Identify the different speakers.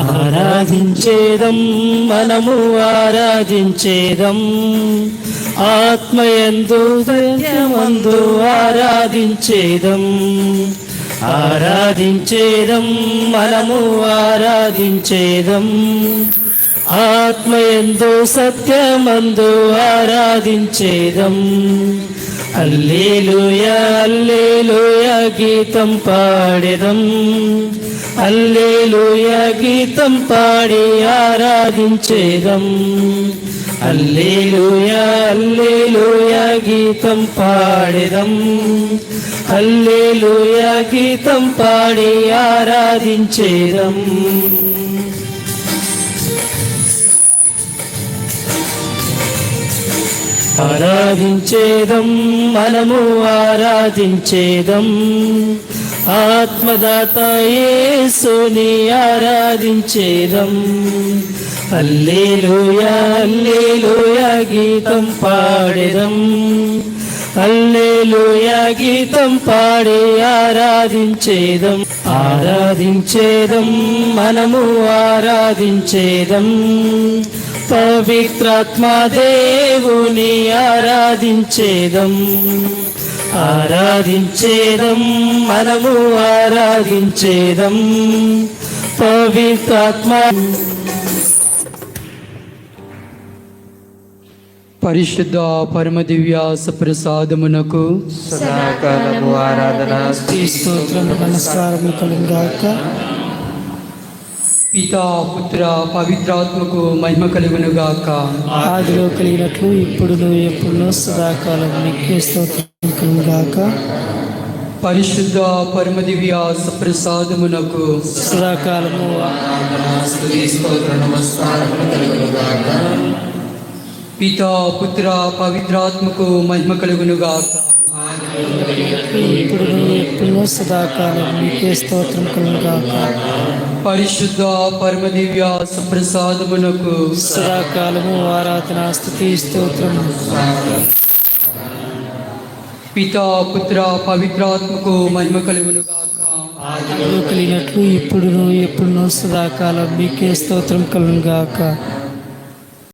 Speaker 1: ఆరాధించేదం మనము ఆరాధించేదం, ఆత్మయందు సత్యమందు ఆరాధించేదం. ఆరాధించేదం మనము ఆరాధించేదం, ఆత్మయందు సత్యమందు ఆరాధించేదం. హల్లెలూయా హల్లెలూయా గీతం పాడెదం, హల్లెలూయా గీతం పాడి ఆరాధించేదం. హల్లెలూయా హల్లెలూయా గీతం పాడెదం, హల్లెలూయా గీతం పాడి ఆరాధించేదం. ఆరాధించేదం మనము ఆరాధించేదం, ఆత్మదాత యేసుని ఆరాధించేదం. హల్లెలూయా హల్లెలూయా గీతం పాడెదం, హల్లెలూయా గీతం పాడి ఆరాధించేదం. ఆరాధించేదం మనము ఆరాధించేదం, పవిత్రాత్మ దేవుని ఆరాధించేదం. ఆరాధించేదం మనము ఆరాధించేదం, పవిత్రాత్మ.
Speaker 2: పరిశుద్ధ పరమ దివ్య సప్రసాదమునకు
Speaker 1: సదాకాలము ఆరాధన స్తోత్రం నమస్కారము కలుగుగాక.
Speaker 2: పితా పుత్ర పవిత్రాత్మకు మహిమ కలుగునుగాక.
Speaker 1: ఆదిలో కలిగినట్లు ఇప్పుడును ఎప్పుడునూ సదాకాలం మీకే స్తోత్రం కలుగుగాక.
Speaker 2: పరిశుద్ధ పరమ దివ్య సప్రసాదమునకు
Speaker 1: సదాకాలము
Speaker 2: పితా పుత్ర పవిత్రాత్మకు మహిమ కలుగునుగాక.
Speaker 1: ఇప్పుడును ఎప్పుడునూ సదాకాలం మీకే స్తోత్రం కలుగుగాక.
Speaker 2: పరిశుద్ధ పరమ దివ్య సప్రసాదమునకు
Speaker 1: సదాకాలము ఆరాధన స్తుతి స్తోత్రం.
Speaker 2: పితా పుత్ర పవిత్రాత్మకు మహిమ కలుగునుగాక.
Speaker 1: ఆదిలో కలిగినట్లు ఇప్పుడును ఎప్పుడునూ సదాకాలం మీకే స్తోత్రం కలుగుగాక.